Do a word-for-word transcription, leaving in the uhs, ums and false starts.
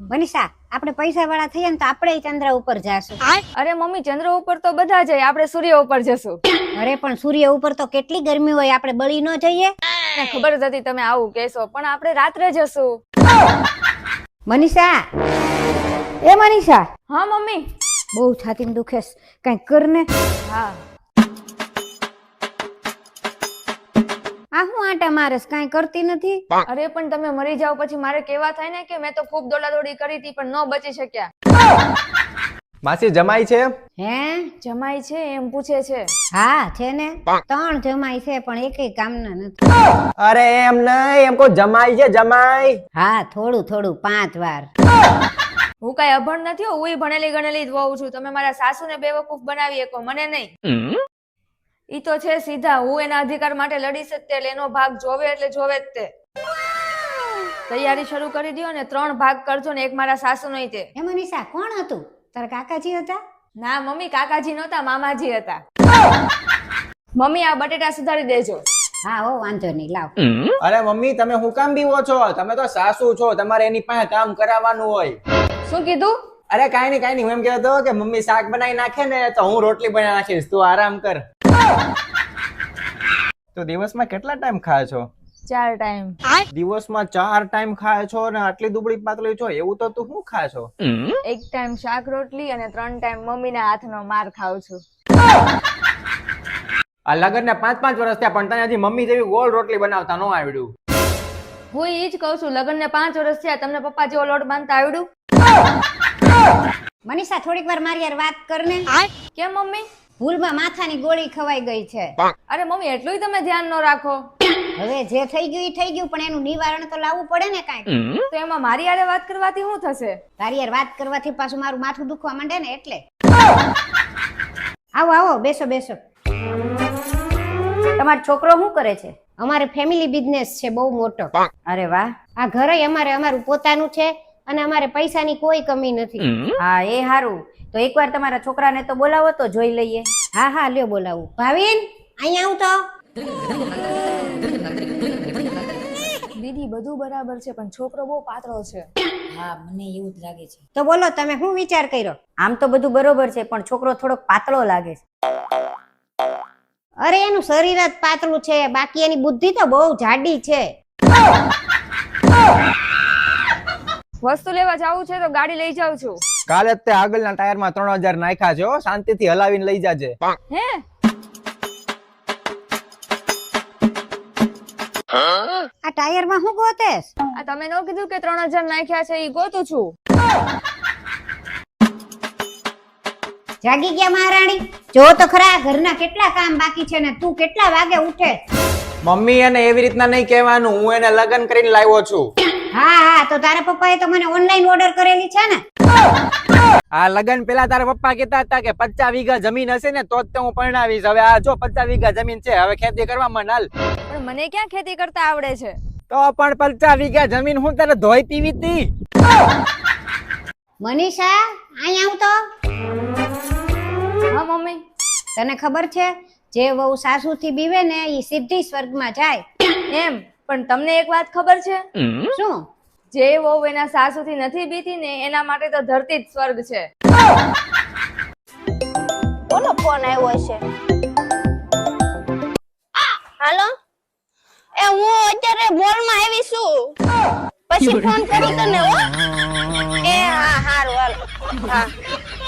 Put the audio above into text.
મનીષા આપણે પૈસા વાળા થઈએ ને તો આપણે ચંદ્ર ઉપર જાશું. અરે મમ્મી, ચંદ્ર ઉપર તો બધા જાય, આપણે સૂર્ય ઉપર જશું. અરે પણ સૂર્ય ઉપર તો કેટલી ગરમી હોય, આપણે બળી ન જઈએ? મને ખબર જ હતી તમે આવું કહેશો, પણ આપણે રાત્રે જશું. મનીષા, એ મનીષા. હા મમ્મી. બહુ છાતીમાં દુખે છે, કઈક કર ને. હા. આ હું આટા મારસ, કઈ કરતી નથી. અરે પણ તમે મરી જાવ પછી મારે કેવા થાય ને કે મેં તો ખૂબ દોડાદોડી કરી હતી પણ ન બચી શક્યા. માસી જમાઈ છે? હે જમાઈ છે એમ પૂછે છે? હા છે ને, ત્રણ જમાઈ છે પણ એકેય કામના નથી. અરે એમ નહીં, એમ કો જમાઈ છે જમાઈ. હા થોડું થોડું પાંચ વાર. હું કઈ અભણ નથી, હું ભણેલી ગણેલી જ વહુ છું. તમે મારા સાસુને બેવકૂફ બનાવી શકો, મને નહીં. ઈ તો છે સીધા, હું એના અધિકાર માટે લડીશ જ તે, એનો ભાગ જોવે એટલે જોવે જ તે. તૈયારી શરૂ કરી દો ને ત્રણ ભાગ કરજો ને એક મારા સાસુ નહીં તે. એ મનીષા કોણ હતું? તારા કાકાજી હતા? ના મમ્મી, કાકાજી નહોતા, મામાજી હતા. મમ્મી આ બટેટા સુધારી દેજો. હા હો વાંધો નહીં, લાવ. અરે મમ્મી તમે હું કામ બીવો છો? તમે તો સાસુ છો, તમારે એની પાસે કામ કરાવવાનું હોય. શું કીધું? અરે કાઈ નહીં કાઈ નહીં, હું એમ કહેતો કે મમ્મી શાક બનાવી નાખે ને તો હું રોટલી બનાવી નાખીશ, તું આરામ કર. તો દિવસમાં કેટલા ટાઈમ ખાય છો? ચાર ટાઈમ. દિવસમાં ચાર ટાઈમ ખાય છો ને આટલી દુબળી પાતળી છો, એવું તો તું શું ખાય છો? એક ટાઈમ શાક રોટલી અને ત્રણ ટાઈમ મમ્મીના હાથનો માર ખાઉં છું. આ લગન ને પાંચ પાંચ વર્ષ થયા પણ તને હજી મમ્મી જેવી ગોળ રોટલી બનાવતા ન આવડ્યું. હું ઈ જ કહું છું, લગન ને પાંચ વર્ષ થયા, તમને પપ્પા જેવો લોટ બાંધતા આવડ્યું? મનીષા થોડીક વાર મારી યાર વાત કર ને. કેમ મમ્મી? ભૂલમાં માથાની ગોળી ખવાઈ ગઈ છે. અરે મમ્મી એટલું તમે ધ્યાન ન રાખો. હવે જે થઈ ગયું ઈ થઈ ગયું, પણ એનું નિવારણ તો લાવવું પડે ને કાંઈક. તો એમાં મારી યારે વાત કરવાથી શું થશે? તારી યાર વાત કરવાથી પાછું મારું માથું દુખવા માંડે ને એટલે. આવો આવો, બેસો બેસો. તમારો છોકરો શું કરે છે? અમારે ફેમિલી બિઝનેસ છે બહુ મોટો. અરે વાહ. આ ઘરે અમારે અમારું પોતાનું છે અને અમારે પૈસાની કોઈ કમી નથી. હા એ હારું. તો એકવાર તમારા છોકરાને તો બોલાવો તો જોઈ લઈએ. હા હા લ્યો બોલાવું. ભાવિન અહીંયા આવ તો. દીદી બધું બરાબર છે પણ છોકરો બહુ પાતળો છે. હા મને એવું જ લાગે છે. તો બોલો તમે શું વિચાર કર્યો? આમ તો બધું બરોબર છે પણ છોકરો થોડોક પાતળો લાગે છે. અરે એનું શરીર જ પાતળું છે, બાકી એની બુદ્ધિ તો બહુ જાડી છે. વસ્તુ લેવા જાવું છે તો ગાડી લઈ જાઉં છું. કાલે જ તે આગળના ટાયરમાં ત્રણ હજાર નાખ્યા છે, હો શાંતિથી હલાવીને લઈ જાજે. હે આ ટાયરમાં શું ગોતેસ? આ તમે ન કીધું કે ત્રણ હજાર નાખ્યા છે, ઈ ગોતું છું. જાગી ગયા મહારાણી? જો તો ખરા ઘરના કેટલા કામ બાકી છે ને તું કેટલા વાગે ઉઠે? મમ્મી એને એવી રીતના નહીં કહેવાનું, હું એને લગન કરીને લાવ્યો છું. હા હા તો તારા પપ્પાએ તો મને ઓનલાઈન ઓર્ડર કરેલી છે ને. આ લગન પેલા તારા પપ્પા કહેતા હતા કે પચાસ વીઘા જમીન હશે ને તો જ હું પરણાવીશ. હવે આ જો પચાસ વીઘા જમીન છે, હવે ખેતી કરવા માંડ. પણ મને ક્યાં ખેતી કરતા આવડે છે? તો પણ પચાસ વીઘા જમીન હું તને ધોઈ પીવી હતી. મનીષા અહીંયા આવ તો. હા મમ્મી. તને ખબર છે જે વહુ સાસુથી બીવે ને ઈ સીધી સ્વર્ગમાં જાય. એમ? પણ તમને એક વાત ખબર છે? શું? જે વહુ એના સાસુથી નથી બીતી ને એના માટે તો ધરતી જ સ્વર્ગ છે. કોનો ફોન આવ્યો છે? હાલો, એ હું અત્યારે મોલમાં આવી છું, પછી ફોન કરું તને. હો એ હા હારું હાલો. હા